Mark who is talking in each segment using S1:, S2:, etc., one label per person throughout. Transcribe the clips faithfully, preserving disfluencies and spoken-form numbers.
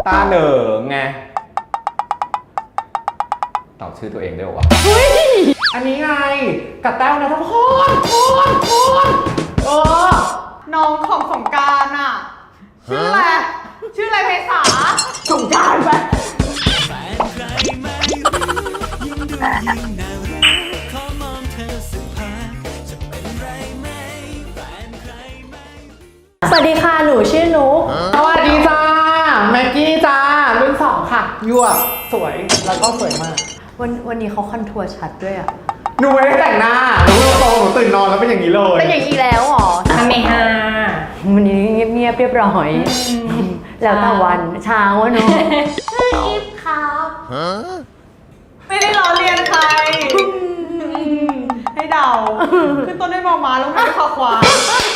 S1: ตาเหนิงไงตอบชื่อตัวเองได้ป่าวะอันนี้ไงกับแต้วนะทุกคนคนคนเออ
S2: น้องของสงกรานต์อ่ะชื่ออะไรชื่ออะไรเมษาสงกรานต์ไป
S3: สวัสดีค่ะหนูชื่อนุ๊ก
S1: สวัสดีจ้าแม็กกี้จ้ารุ่นสองค่ะยั่วสวยแล้วก็สวยมาก
S3: วันวันนี้เขาคอนทัวร์ชัดด้วยอ่ะ
S1: หนูไม่ได้แต่งหน้าหนูโตหนูตื่นนอนแล้วเป็นอย่างนี้เลย
S3: เป็นอย่างนี้แล้วหรอ
S2: ทำไมฮะ
S3: วันนี้เงียบๆเรียบร้อยแล้วแต่วันเช้าเนาะชื่ออีฟครับ
S2: ไม่ได้ล้อเลียนใครให้เดาขึ้นต้นด้วยมอม้าลงท้ายด้วยคอควาย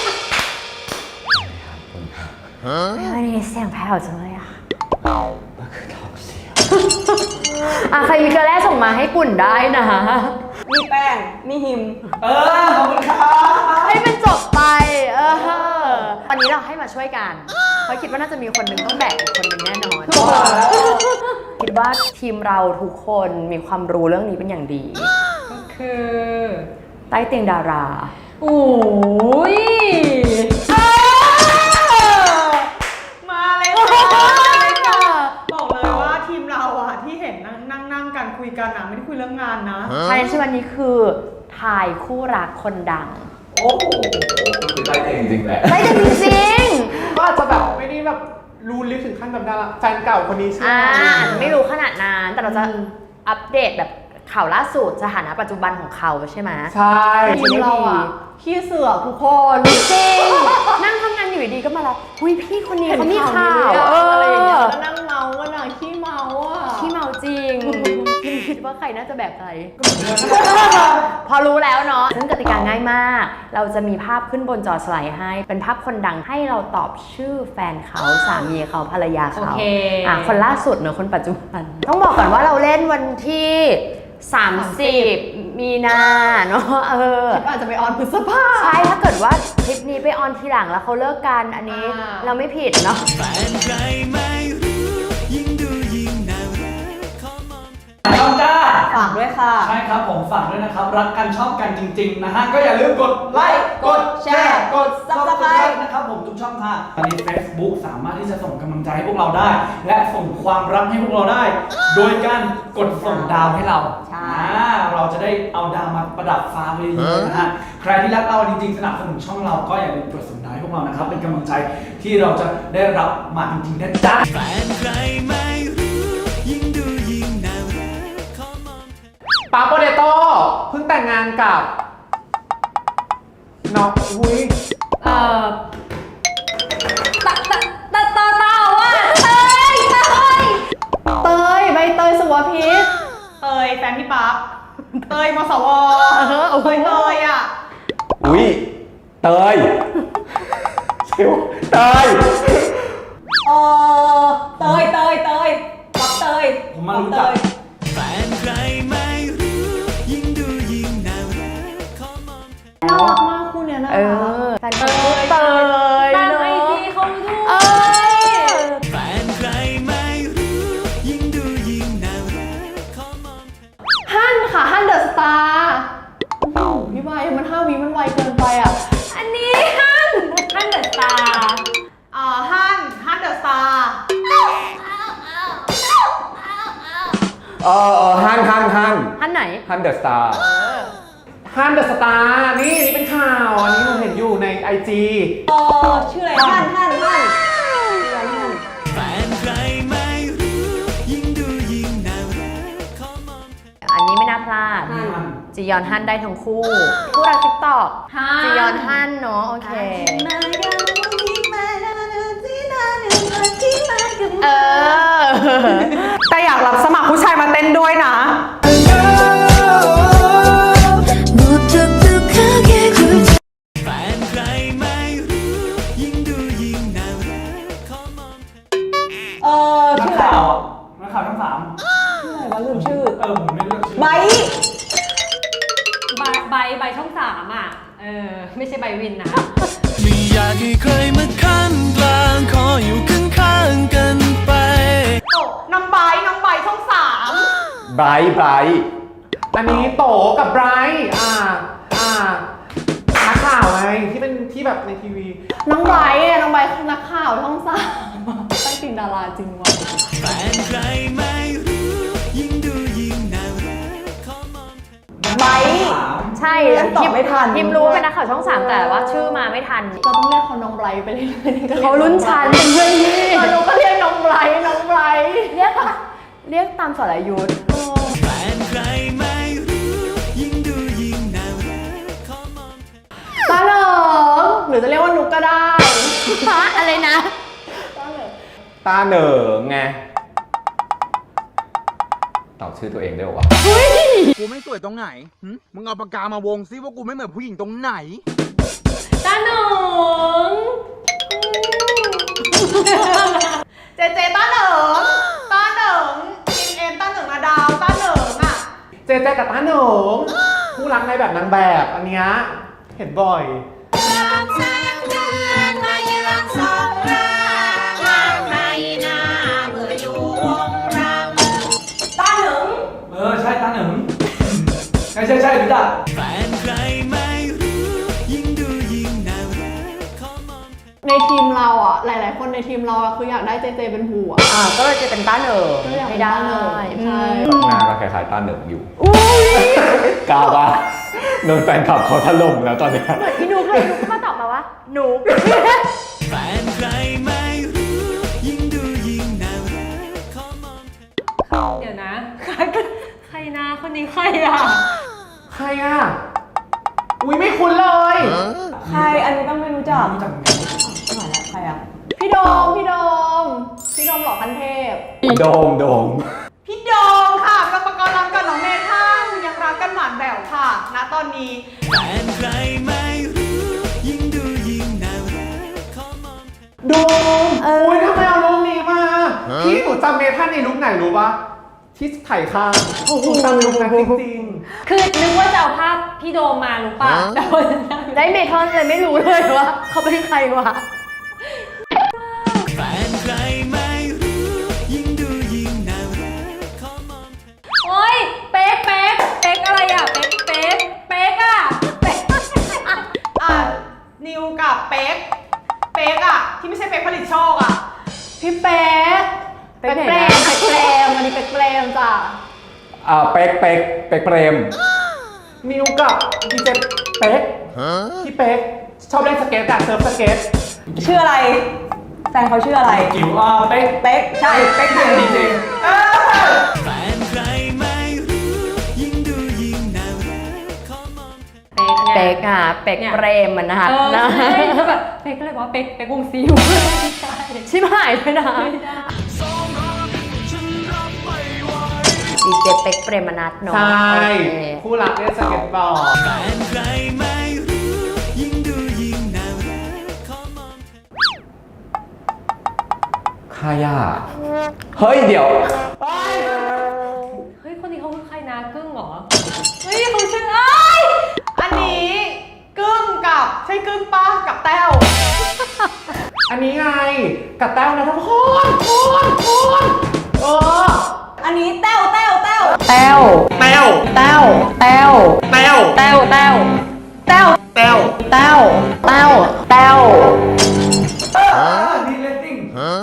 S3: วันนี้เสียงแผ่วจังเลยอ่ะ
S1: ก็คือท้องเสีย
S3: อ่ะใครมีเกลือแร่ส่งมาให้ปุ่นได้นะ
S2: มีแป้งมีหิม
S1: เออขอบคุณครับ
S3: ให้มันจบไปเออวันนี้เราให้มาช่วยกันเพราะคิดว่าน่าจะมีคนหนึ่งต้องแบกอีกคนหนึ่งแน่นอนคิดว่าทีมเราทุกคนมีความรู้เรื่องนี้เป็นอย่างดี
S2: ก็คือ
S3: ใต้เตียงดารา
S2: โอ้ยมาเลยค่ะบอกเลยว่าทีมเราอะที่เห็นนั่งนั่งนั่งกันคุยกันอะไม่ได้คุยเรื่องงานนะ
S3: ใช่ใช่วันนี้คือถ่ายคู่รักคนดัง
S1: โอ้โหคือใต้เตียงจริงแหละ
S3: ใต้เตียงจริง
S1: ก็อาจจะแบบไม่ได้แบบรู้ลึกถึงขั้นแบบดาราแฟนเก่าคนนี้ใช่ไหม
S3: อ่าไม่รู้ขนาดนั้นแต่เราจะอัปเดตแบบข่าวล่าสุดสถานะปัจจุบันของเขาใช่ไหม
S1: ใช่
S3: ทีมเราอ่ะ
S2: ขี้เสือกทุกคน
S3: จริงนั่งทำงานอยู่ดีก็มาแล้วอุ้ยพี่คนนี้เขามีข่าว
S2: อะไรอย่างเงี้ยแล้วนั่งเมาก็น่ะขี้เมาอ่ะ
S3: ขี้เมาจริงคิดว่าใครน่าจะแบบใครพอรู้แล้วเนาะซึ่งกติกาง่ายมากเราจะมีภาพขึ้นบนจอสไลด์ให้เป็นภาพคนดังให้เราตอบชื่อแฟนเขาสามีเขาภรรยาเขาอ่ะคนล่าสุดเนอะคนปัจจุบันต้องบอกก่อนว่าเราเล่นวันที่สามสิบมีนาเนาะเออ
S2: คลิปอาจจะไปออนพฤษภา
S3: ใช่ถ้าเกิดว่าคลิปนี้ไปออนทีหลังแล้วเขาเลิกกันอันนี้เราไม่ผิดเนาะ
S4: ช่องจ้า
S2: ฝากด้วยค่ะ
S4: ใช่ครับผมฝากด้วยนะครับรักกันชอบกันจริงๆนะฮะก็อย่าลืมกดไลค์กดแชร์กด ซับสไครบ์ นะครับผมทุกช่องทางใน Facebook สามารถที่จะส่งกำลังใจให้พวกเราได้และส่งความรักให้พวกเราได้ โดยการกดส่งดาวให้เรา
S3: ใช่
S4: เราจะได้เอาดาวมาประดับฟ้าไปเยอะๆนะฮะใครที่รักเราจริงๆสนับสนุนช่องเราก็อย่าลืมกดส่งดาวให้พวกเรานะครับเป็นกำลังใจที่เราจะได้รับมาจริงๆนะจ๊ะแฟนใครไม่รู้ยิ่งดูยิ่งน่ารัก
S1: ปาโปเตโต้เพิ่งแต่งงานกับน้องอุ้ย
S3: เอ่อตะตะตะตะตะว่าเตยเตย
S2: เตยใบเตยสุวพิษเตยแฟนพี่ปั๊บเตยมสวเตยเตยอ่ะ
S1: อุ้ยเตยชิวเตย
S2: เออเตยเตยเตยปั๊บเตย
S4: ผมมารู้จักแฟนใครไม่รู้ยิ่งดูยิ่งน่ารักขอมองเธอน่ารักมากคู่เนี้ยน่ารัก
S3: แฟนเตยเตย
S2: ตามไอจีเขาด้วย
S4: แฟนใครไม่รู้ยิ่งดูยิ่งน่ารักขอมอง
S2: เธอฮั่นค่ะฮั่นเดอะสตาร์พี่ใบมันห้าวิมันไวเกินไปอ่ะ
S3: อันนี้ฮั่นฮั่นเดอะสตาร์
S2: อ่าฮั่นฮั่นเดอะสตาร์
S1: เออเออฮันฮันฮัน
S3: ฮันไหน
S1: ฮันเดอะสตาร์ฮันเดอะสตาร์นี่นี่เป็นข่าวอันนี้เราเห็นอยู่ในไอจี
S2: เออชื่ออะไรฮันฮันฮัน
S4: แฟนใครไม่รู้ยิ่งดูยิ่งน่ารักขอมองเธอ
S3: อันนี้ไม่น่าพลาดจียอนฮันได้ทั้งคู่คู่รักติ๊กต็อกจียอนฮันเนาะโอเคเออ
S2: แต่อยากรับสมัครผู้ชายมาเต้นด้วยนะ
S4: แฟนใครไม่รู้ยิ่งดูยิ่งน่ารักขอมองเธอเออนักข่าวนักข่าวทั้งสาม
S2: ชื่ออะไรวะลืมชื่อ
S4: เออผมไม่เลือกชื่อ
S2: ใบ
S3: ใบใบใบช่องสามอ่ะเออไม่ใช่ใบวินนะ
S4: ไม่อยากให้ใครมาขั้นกลางขออยู่ข้างๆกันไป
S1: ไบรท์ไบรท์อันนี้โตกับไบรท์อ่าอ่านักข่าวไงที่เป็นที่แบบในทีวี
S2: น้องไบร์ทเนี่ยน้องไบร์ทนักข่าวช่องสามใต้ตินดาราจริงว่ะ
S5: แฟนใครไม่รู้ยิ่งดูยิ่งน่ารักขอมอง
S2: ไบร์ท
S3: ใช่
S2: ยังตอบไม่ทัน
S3: พิมรู้เป็นนักข่าวช่องสามแต่ว่าชื่อมาไม่ทัน
S2: เราต้องเรียกเขาน้องไบร์ทไปเรื่อยๆก็ยก
S3: เขารุ่นชั้นเป็นเพื่อนพี่
S2: เออหนูก็เรียกน้องไบร์ทน้องไบร์ท
S3: เรียกเรียกตามสรยุทธ์
S5: แฟนใครไม่รู้ยิ่งดูยิ่งน่ารักขอมอง
S2: ตาเหลิงหรือจะเรียกว่านุกก็ได้
S3: ฮะอะไรนะ
S2: ตาเหลิง
S1: ตาเหนิงไงตอบชื่อตัวเองได้หรอวะ
S6: กูไม่สวยตรงไหนหึมึงเอาปากกามาวงซิว่ากูไม่เหมือนผู้หญิงตรงไหน
S3: ตาหนง
S2: เจเจต้าเหนิงต้าเหนิงอินเอ็นต้าเหนิงนาดาวต้าเหนิงอ่ะ
S1: เจเจกับตาเหนิงคู่รักในแบบนางแบบอันเนี้ยเห็นบ่อย
S2: ต้าเหนิง
S4: เออใช่ตาหนึ่งใช่ใช่ใช่รู้จัก
S5: แฟนใครไม่รู้ยิ่งดูยิ่งน่ารักขอมอง
S2: ในทีมเราอ่ะหลาย ๆ คนในทีมเราอ่ะคืออยากได้เจเจเป็นผัว
S3: อ่าก็เลยจะเป็นตาเหนิง
S2: ก็อยากเป็
S3: ไม่
S2: น
S3: ได้
S2: ตาเหนิงใช่
S1: หน้าก็คล้ายๆตาเหนิงอยู่กล้าปะโดนแฟนคลับเขาถล่มแล้วตอนเนี้ย
S3: เหมือนพี่นุ๊กเลยนุ๊กก็มาตอบมาว่าหนู
S5: แฟนใครไม่รู้ยิ่งดูยิ่งน่ารักขอมอง
S7: เดี๋ยวนะ ใครใครนะคนนี้ใครอ่ะ
S1: ใครอ่ะ อุ้ยไม่คุ้นเลย
S2: ใครอันนี้ต้องไม่รู้จัก
S4: รู้จักเหมือนกัน
S2: ใครอ่ะพี่โดมพี่โดมพี่โดมหล่อคันเทพ
S1: โดมโดม
S2: พี่โดมค่ะกับปกรณ์รักกับน้องเมท่ายังรักกันหวานแหววค่ะณตอนนี้
S5: แฟนใครไม่รู้ยิ่งดูยิ่งน่ารักขอมอง
S1: โดมอุ้ยทำไมเอารูปนี้มา พี่หนูจำเมทันในรูปไหนรู้ปะที่ไถ่ข้างหนูจำรูปนั้นจริง
S7: คือนึกว่าจะเอาภาพพี่โดมมารู้ป่ะแต่ว่า
S3: ได้เมทอนเลยไม่รู้เลยว่าเขาเป็นใครวะ
S5: แฟนใครไม่รู้ยิ่งดูยิ่งน่ารักขอมอง
S7: โอ๊ยเป๊กเป๊กเป๊กอะไรอ่ะเป๊กเป๊กเป๊กอ่ะเป๊ก
S2: อ่ะนิวกับเป๊กเป๊กอ่ะที่ไม่ใช่เป๊กผลิตโชคอ่ะพี่เป๊ก
S3: เป๊กไหน
S2: เปร
S3: นะ
S2: มเป๊กเปรมอันนี้เป๊กเปรมจ้ะ
S1: ๆ อ่าเป๊กเป๊กเป๊กเปรมมิวกับดีเจเป๊กพี่เป๊กชอบเล่นสเก็ตอะเซิร์ฟสเก็ต
S2: ชื่ออะไรแฟนเขาชื่ออะไร
S4: จิ๋วอ่าเป๊ก
S2: เป๊กใช่เป๊ก
S4: เป๊กจริง
S5: แฟนใครไม่รู้ยิ่งดูยิ่งน่ารักขอมอง
S7: เป๊กไง
S3: เป๊กอ่ะเป๊กเปรมมันนะคะ
S7: เออ
S3: นะ
S7: ใช่แล้วแบบเป๊กก็เลยบอกว่าเป๊กเป๊กวงซิวไม่ใช่
S3: ชิบหายไปนะดีเจเป๊กเปรมนัทเนาะ
S1: ใช่
S3: โอเค
S1: คู่รักเล่นสเก็ตบอร์ด
S5: แฟนใครไม่รู้ยิ่งดูยิ่งน่ารักขอมอง
S1: ใครอ่ะ เฮ้ยเดี๋ยว
S7: เฮ้ยคนนี้เขาคือใครนะกึ้งเหรอเฮ้ยเขาชื่อเอ้ย
S2: อันนี้กึ้งกับใช่กึ้งป้ากับแต้ว
S1: อันนี้ไงกับแต้วนะทุกคนคนคนเออ
S2: อันนี้แต้วแต้วแต้ว
S3: แต้ว
S1: แต้ว
S3: แต้วแต้ว
S1: แต้ว
S3: แต้วแต้วแต้ว
S1: แต้ว
S3: แต้วแต้วแต้ว
S4: อ่านี่เลตติ้ง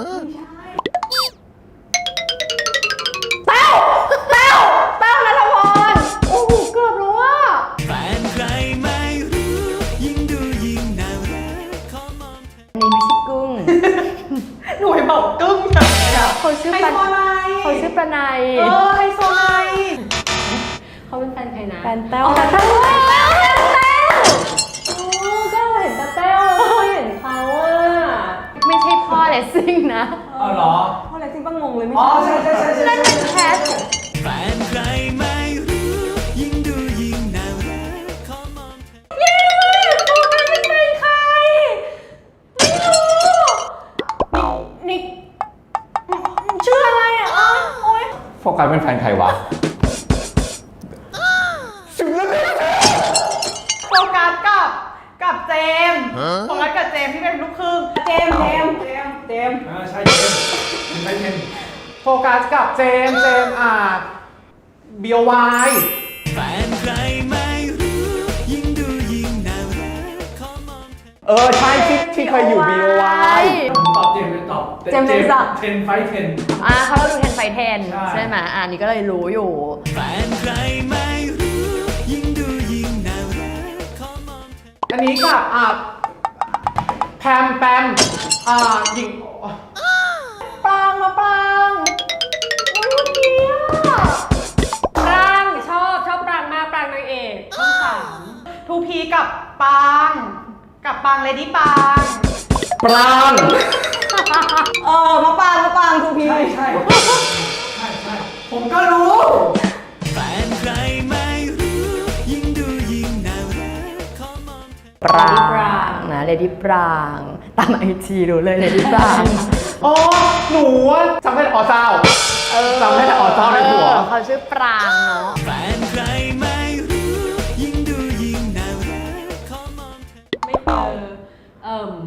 S2: แต้วแต้วแต้วนัทพรโอ้โหเกือบรู้ว่า
S5: แฟนใครไม่รู้ยิ่งดูยิ่งน่ารักขอมอง
S3: อันนี้ไม่ใช่กุ้ง
S2: หนูให้บอกกึ้งเฉยเลยอะ
S3: เขาชื่อ
S2: ไฮ
S3: ปะ
S2: โซไน
S3: เขาชื่อประไน
S2: เออไฮโซไน
S7: เขาเป็นแฟนใครนะ
S3: แฟนแต้ว
S7: อ๋อแต้วแต้วแต้วแต้วโอ้ก็เห็นตาแต้วแล้วก็เห็นเขาอ่ะ
S3: ไม่ใช่พ่อเลสซิ่งนะ
S4: อ๋อเหรอ
S2: พ่ออะไรจริงป้างงเลยไม่
S4: อ๋อ
S2: ใช่
S4: ใช่ใช่ใช่ใช่
S3: นั่นเป็นแคท
S5: แฟนใครไม่รู้ยิ่งดูยิ่งน่ารักขอมอง
S7: ยังไม่รู้เลยเขาเป็นแฟนใครไม่รู้
S2: นิกชื่ออะไรอ่ะอ๋อโอ๊ย
S1: โฟกัสเป็นแฟนใครวะ
S2: โฟกัสกับกับเจมส์โฟกัสกับเจมส์ที่เป็นลูกครึ่งเจมส์เจมส์เจมส์เจมส์
S4: อ่าใช่เจมส์เป็นใช่เจมส์
S1: โฟกัสกับเจมส์เจมส์อ่าบี โอ วาย
S5: แฟนใครไม่รู้ ยิ่งดูยิ่งน่ารักขอมองเธอ
S1: เออใช่ที่ที่เคยอยู่ บี โอ วาย
S4: ผมตอบเจมส์เลยตอบ
S3: เจมส์เป็นสัก
S4: เทนไฟเทน
S3: อ่าเขาเราดูเทนไฟเทน
S4: ใช่
S3: ใช่ไหมอ่านี่ก็เลยรู้อยู่
S5: แฟนใครไม่รู้ ยิ่งดูยิ่งน่ารักขอมองเธอ
S1: อันนี้กับอ่าแพมแปมอ่าหญิง
S7: ปรางมาปรางอุ้ยเมื่อกี้อะปรางชอบชอบปรางมากปรางนางเอกช่องสาม
S2: ทูพีกับปาง กับปางเลดี้ปาง
S1: ปราง
S2: เออมาปางมาปางทูพี
S4: ใช่ใช่ใช่ใช่ผมก็รู้
S5: แฟนใครไม่รู้ ยิ่งดูยิ่งน่ารักขอมองเธอ
S3: ปรางนะเลดี้ปรางตามไอจีรู้เลยเลดี้ปราง
S1: อ๋อหนูอะจำได้แต่อ๋อเจ้าจำได้แต่อ๋อเจ้าในหัว
S3: เออเขาชื่อปรางเนาะ
S5: แฟนใครไม่รู้ ยิ่งดูยิ่งน่ารักขอมองเธอ
S7: ไม่เจอเอิ่ม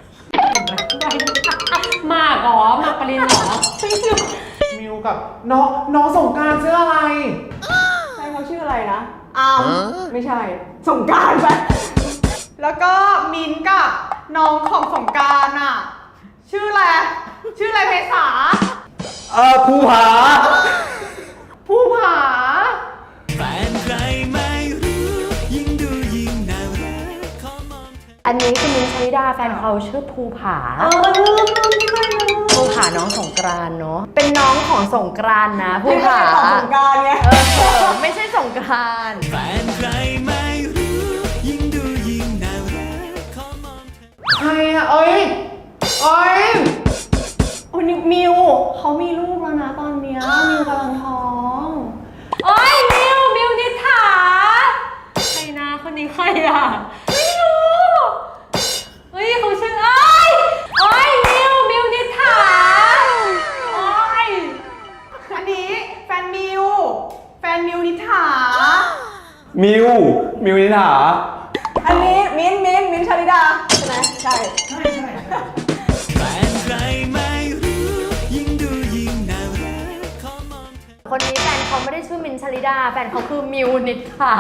S7: มากเหรอมากปรินเหรอไม่รู้
S1: มิวกับน้องน้องสงกรานต์ชื่ออะไร
S2: ใช่เขาชื่ออะไรนะอามไม่ใช่ สงกรารไป แล้วก็มินกับน้องของสงกรารอ่ะ ชื่ออะไร ชื่ออะไรเพษา
S1: เออภูผา
S2: ผู้ผา
S5: แฟนใครไม่รู้ ยิ่งดูยิ่งน่ารักขอมองเธอ
S3: อันนี้คือมินท์ชลิดาแฟนเขาชื่อภูผา
S2: เออลืมลืมไม่ได้เลย
S3: ภูผาน้องสงกรานต์เนาะเป็นน้องของสงกรานต์นะภู
S2: ไม่ใช่
S3: ผา
S2: ของสงกรารไง
S3: เออไม่ใช่สงกรานต์
S5: แฟนใครไม่รู้ ยิ่งดูยิ่งน่ารักขอมองเธอ
S1: ใครอะเอ้ยเอ้ย
S2: โอ้ยมิวเขามีลูกแล้วนะตอนเนี้ยมิวกำลังท้อง
S7: โอ้ยมิวมิวนิษฐาใครนะคนนี้ใครอ่ะไม่รู้เฮ้ยเขาชื่อเอ้ยโอ้ยมิวมิวนิษฐาโอ้ย
S2: อันนี้แฟนมิว แฟนมิวนิถา
S1: มิวมิวนิถา
S2: อันนี้มิ้นท์มิ้นท์มิ้นท์ชลิดาใช่ไหมใช่
S4: ใช่ใช่
S5: แฟนใครไม่รู้ ยิ่งดูยิ่งน่ารักขอมองเธอ
S3: คนนี้แฟนเขาไม่ได้ชื่อมินท์ชลิดาแฟนเขาคือมิวนิษฐา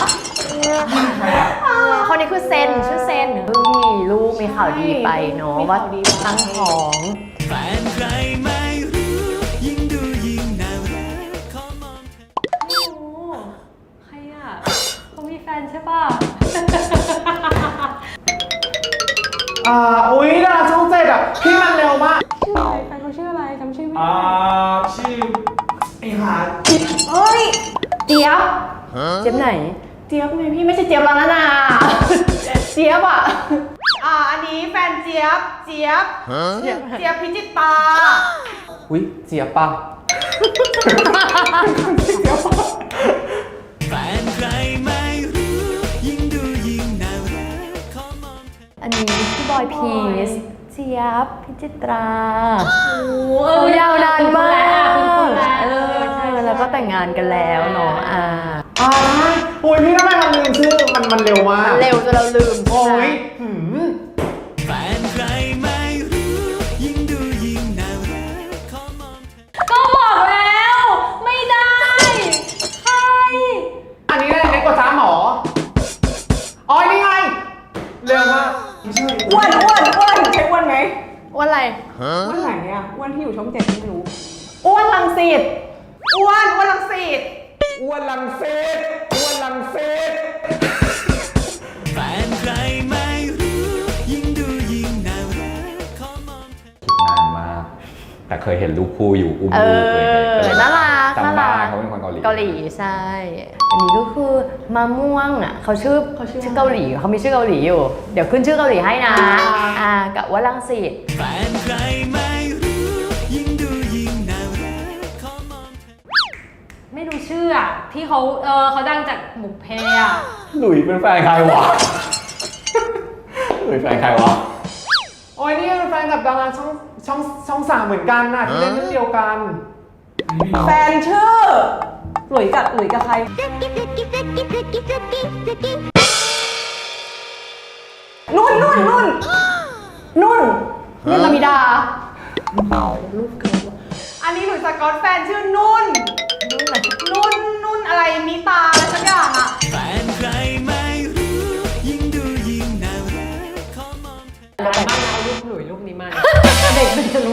S3: คนนี้คือเซนชื่อเซนเพิ่งมีลูกมีข่าวดีไปเนาะว่าตั้งท้อง
S5: แฟนใครไม่รู้ ยิ่งดูยิ่งน่ารักขอมองเธอ
S7: ไม่รู้ใครอ่ะเขามีแฟนใช่ป่ะ
S1: อ่าอุ้ยดาราช่องเจ็ดอะพี่มันเร็วมาก
S7: ชื่ออะไรแฟนเขาชื่ออะไรจำชื่อไม่
S4: อ่า
S7: ได้
S4: ชื่อไอ้หา
S2: เอ้ย เจี๊ยบ
S3: เจ็บไหน
S2: เจี๊ยบไงพี่ไม่ใช่เจี๊ยบแล้วนะนาเจี๊ยบอ่ะ อ่า อันนี้แฟนเจี๊ยบ เจี๊ยบ เจี๊ยบพิจิตตา
S1: อุ้ยเจียบปะ
S5: แฟนใครไม่รู้ ยิ่งดูยิ่งน่ารักขอมองเธอ
S3: อันนี้พี่บอยพีซเจี๊ยบพิจิตรา
S7: โอ้เอ
S3: โอ้
S7: อย
S3: าวนานมาก
S7: คุณคุณแล้ว
S3: เออ
S7: ใช่ใช่
S3: แล้วก็แต่งงานกันแล้วเนาะอ่า
S1: อ่าอุ้ยพี่ทำไมมันลืมชื่อมันมันเร็วมาก
S3: เร็วจนเราลืม
S1: โอ้
S3: ใช่ไหม
S1: ยหืม
S5: แฟนใครไม่รู้ ยิ่งดูยิ่งน่ารักขอมองเธอ
S7: ก็บอกแล้ว ไม่ได้ใคร
S1: อันนี้เล็กกว่าจ้าหมออ๋อนี่ไงเร็วมาก
S2: อ้วนอ้วนอ้วนใช่อ้วนไหม
S3: ว่าอะไร
S2: อ้วนไหนอ่ะอ้วนที่อยู่ช่องเจ็ดไม่รู้ อ้วนลังสิตอ้วนอ้วนลังสิต
S1: อ้วนลังเซตอ้วนลังเซต
S5: แฟนใครไม่รู้ ยิ่งดูยิ่งน่ารักขอมองเธอ
S1: นานมากแต่เคยเห็นลูกคู่อยู่อุ้ม
S3: เอ
S1: ลูกเลย
S3: อ น่ารัก
S1: จำ
S3: น่า
S1: ได้
S3: รัก
S1: เขาเป็นคนเกาหลี
S3: เกาหลีใช่ อันนี้ก็คือมะม่วงอ่ะเขาชื่อชื่อเกาหลีเขามีชื่อเกาหลีอยู่ เดี๋ยวขึ้นชื่อเกาหลีให้นะ อ่ากับว่าลังสิต
S5: แฟนใครไม่รู้ ยิ่งดูยิ่งน่ารักขอมองเธอ
S7: ไม่รู้ชื่ออ่ะที่เขาเออเขาดังจากหมุกเพอ่ะ
S1: หลุยเป็นแฟนใครวะ หลุยแฟนใครวะ โอ้ยนี่เป็นแฟนกับดาราช่องช่องช่องสามเหมือนกันน่ะที่เล่นเรื่องเดียวกัน
S2: แฟนชื่อ หลุยกับหลุยกับใคร นุ่นนุ่นนุ่นนุ่นนุ่นลามิดา อันนี้หลุยสกอตแฟนชื่อนุ่น นุ่นนุ่น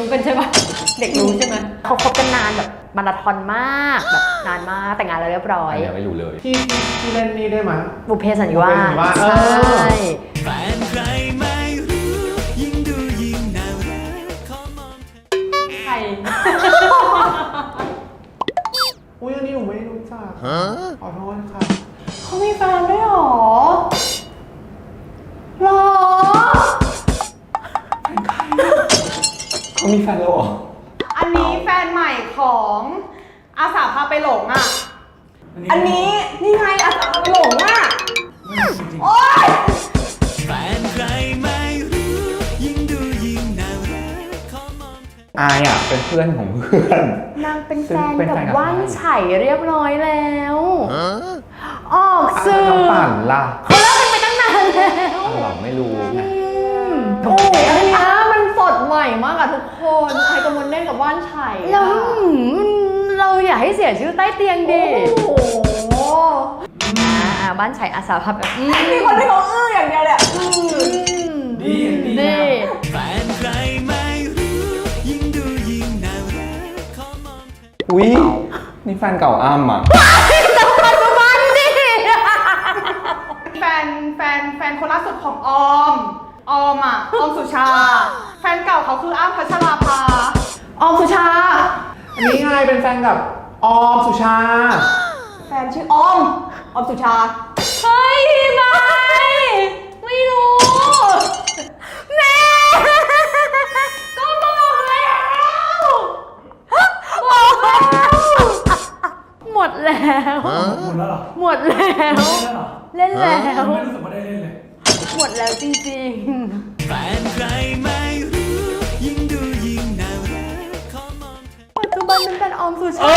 S7: กันใช่ปะเด็กรู้ใช่ไหม
S3: เขาคบกันนานแบบมาราธอนมากแบบนานมากแต่งงานแล้วเรียบร้อ
S1: อั
S3: ย
S1: นเนี้ยไม่รู้เลยที่ที่ที่เล่นนี่ได้ไหม
S3: บุพเพสันนิวา
S1: บุพเพสันนิวาส
S3: ส
S1: เอ
S3: ใช่
S1: อ
S5: แฟนใครไม่รู้ ยิ่งดูยิ่งน่ารักขอมองเธอ
S7: ใคร
S1: อุ้ยอันนี้หนูไม่รู้จักขอโทษค่ะ
S2: เขามีแฟนด้วยเหรอหรอ
S1: เขามีแฟนแล้วเหรอ
S2: อันนี้แฟนใหม่ของอาสาพาไปหลงอ่ะ อันนี้นี่ไงอาสาพาไปหลงอ่ะ โอ๊ย
S5: แฟนใครไม่รู้ ยิ่งดูยิ่งน่ารักขอมองเธอ
S1: อายอ่ะเป็นเพื่อนของเพื่อน
S3: นางเป็นแฟน
S1: เป็น
S3: กับ
S1: แฟนกับ
S3: ว่านไฉเรียบร้อยแล้วออก
S1: อ้าว
S3: สื่อ
S1: น้องปั่นล่ะ
S3: เขาเลิกกันไปตั้งนานแล้ว
S1: อ้าวเหรอไม่รู้ไง
S2: โอ้ยอันเนี้ยมันสดใหม่มากอะทุกคนใครกำลังเล่นกับว่านไฉ
S3: แล้วหืมเราอย่าให้เสียชื่อใต้เตียงดิ
S2: โอ้โห
S3: อ่าอ่าบ้านไฉอาสาพับแบบอืม
S2: มีคนที่เขาอื้ออย่างเดียวเลยอะอื้อ
S4: ดีดี
S3: ดี
S4: นะ
S5: แฟนใครไม่รู้ ยิ่งดูยิ่งน่ารักขอมองเธอ
S1: อุ้ยนี่แฟนเก่าอ้ำอ่ะ
S3: ปัจจุบันดิ
S2: แฟนแฟนแฟนคนล่าสุดของออม ออมอ่ะ ออมสุชา แฟนเก่าเขาคืออ้ำพัชราภา ออมสุชา
S1: อันนี้ไงเป็นแฟนกับออมสุชา
S2: แฟนชื่อออม ออมสุชา
S7: เฮ้ยไม่ไม่รู้
S3: แม่
S7: ก็บอกแล้ว
S3: หมดแล้ว
S4: หมดแล้วเหรอ
S3: หมดแล้ว
S4: เล่นแล้วเหรอ
S3: เล่นแล้ว
S4: ไม่รู้สึกว่าได้เล่นเลย
S3: หมดแล้วจริง
S5: แฟนใครไม่รู้ ยิ่งดูยิ่งน่ารักขอมองเธอ
S3: ๆ ปัจจุบันมันเป็นออมสุชา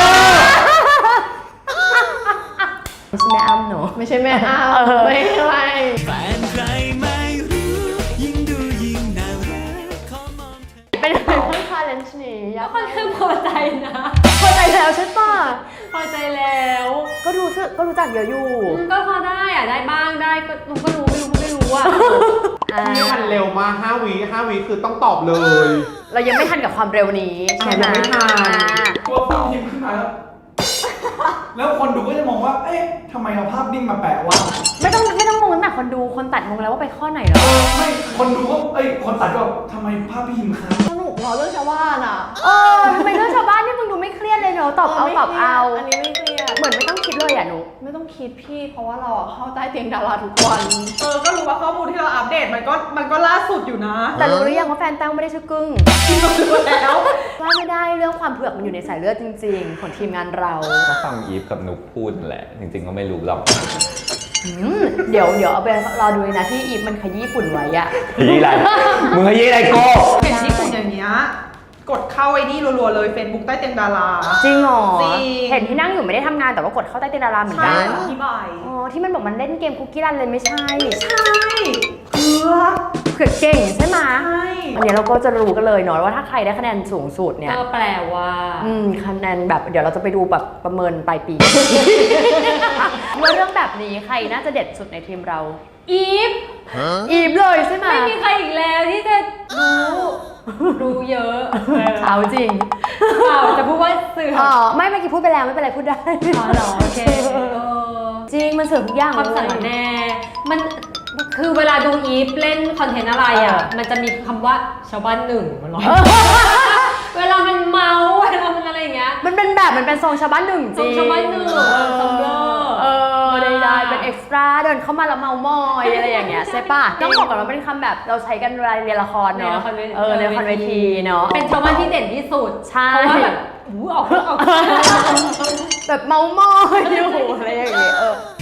S3: ไม่ใช่แม่อ้ำเนอะ
S2: ไม่ใช่แม่อ้ำ
S3: เออ
S2: ไม่ใช่
S5: แฟนใครไม่รู้ ยิ่งดูยิ่งน่ารักขอมองเธอ
S3: เป็นยังไงบ้างคะเลนส์นี้ยา
S7: ก็
S3: ก
S7: ค่อนข้างพอใจนะ
S3: พอใจแล้วใช่ป่ะ
S7: พอใจแล้ว
S3: ก็รู้สึกก็รู้จักเยอะอยู่
S7: อืมก็พอได้อะได้บ้างได้ก็รู้ก็รู้ไม่รู้ก็ไม่รู้อะ
S3: อ่า
S1: นี่มันเร็วมากห้าวิห้าวิคือต้องตอบเลย
S3: เรายังไม่ทันกับความเร็วนี้ใช่ไหม
S1: ยังไม่ทัน
S3: อ่า
S4: ตัวพูดพิมพ์ขึ้นมาแล้ว แล้วคนดูก็จะมองว่า เอ๊ะทำไมเอาภาพนิ่งมาแปะวะ
S3: ไม่ต้องไม่ต้องงงตั้งแต่คนดูคนตัดงงแล้วว่าไปข้อไหนเหรอ
S4: เออไม่ คนดูก็ เอ้ย คนตัดก็แบบทำไมภาพพี่พิมพ์ค้าง
S2: สนุกเนาะเรื่องชาวบ้านอ่ะ
S3: เออทำไมเรื่องชาวบ้านนี่มึงดูไม่เครียดเลยเนอะตอบเอาตอบเอา
S2: อันนี้ไม่เครียด
S3: เหมือนไม่ต้องคิดเลยอ่ะหนู
S2: ไม่ต้องคิดพี่ เพราะว่าเราอะเข้าใต้เตียงดาราทุกวัน เออ ก็รู้ว่าข้อมูลที่เราอัปเดตมันก็มันก็ล่าสุดอยู่นะ
S3: แต่รู้หรือยังว่าแฟนแต้วไม่ได้ชื่อกึ้ง
S2: รู้แล้ว
S3: ว่าไม่ได้เรื่องความเผือกมันอยู่ในสายเลือดจริงๆ ของทีมงานเรา
S1: ก็ฟังอีฟกับนุกพูดนั่นแหละ จริงๆก็ไม่รู้หรอก
S3: อืมเดี๋ยวเดี๋ยวเอาไปรอดูเลยนะที่อีฟมันขยี้ฝุ่นไว้อะ
S1: ยี่ไรมึงขยี้อะไรโก้
S2: เห็นญี่ปุ่นอย่างเงี้ย กดเข้าไอ้นี่รัวๆเลย Facebook ใต้เตียงดารา
S3: จริงเหรอ
S2: จริง
S3: เห็นที่นั่งอยู่ไม่ได้ทำงานแต่ว่ากดเข้าใต้เตียงดาราเหมือน
S2: ใช่
S3: กัน
S2: อธิบาย
S3: อ๋อที่มันบอกมันเล่นเกมคุกกี้รันเลยไม่ใช่
S2: ใช่เผือก
S3: เผือกเก่งใช่ไหม
S2: ใช่
S3: อันนี้เราก็จะรู้กันเลยเนาะว่าถ้าใครได้คะแนนสูงสุดเนี่ย
S7: ก็แปลว่า
S3: อืมคะแนนแบบเดี๋ยวเราจะไปดูแบบประเมินปลายปี ว่าเรื่องแบบนี้ใครน่าจะเด็ดสุดในทีมเรา
S7: อีฟ
S3: อีฟเลยใช่ไหม
S7: ไม่มีใครอีกแล้วที่จะรู้รู้เยอะ
S3: เอาจริง
S7: เปล่าจะพูดว่าเสือก
S3: อ๋อไม่เมื่อกี้พูดไปแล้วไม่เป็นไรพูดได้
S7: อ๋อเหรอโอเคเออ
S3: จริงมันเสริมทุกอย่าง
S7: ความสารแน่ มันคือเวลาดูอีฟเล่นคอนเทนต์อะไรอ่ะ มันจะมีคำว่าชาวบ้านหนึ่งมันร้อยเวลามันเมาเวลามันอะไรอย่างเงี้ย
S3: มันเป็นแบบมันเป็นทรงชาวบ้านหนึ่งจริง
S7: ทรงชาวบ้านหนึ่ง
S3: เออ
S7: ทรงเบลอ
S3: เออได้ๆเป็นเอ็กซ์ตร้าเดินเข้ามาแล้วเมามอยอะไรอย่างเงี้ยใช่ป่ะต้องบอกก่อนว่าเป็นคำแบบเราใช้กันเวลาเรียนละคร
S7: ใน
S3: เนาะ
S7: ละครเวที
S3: เออในละครเวทีเนาะ
S7: เป็นชาวบ้านที่เด่นที่สุด
S3: ใช่
S7: เพราะว่าแบบอู้ออกออก
S3: แบบเมามอยอยู่อะไรอย่างเงี้ยเออ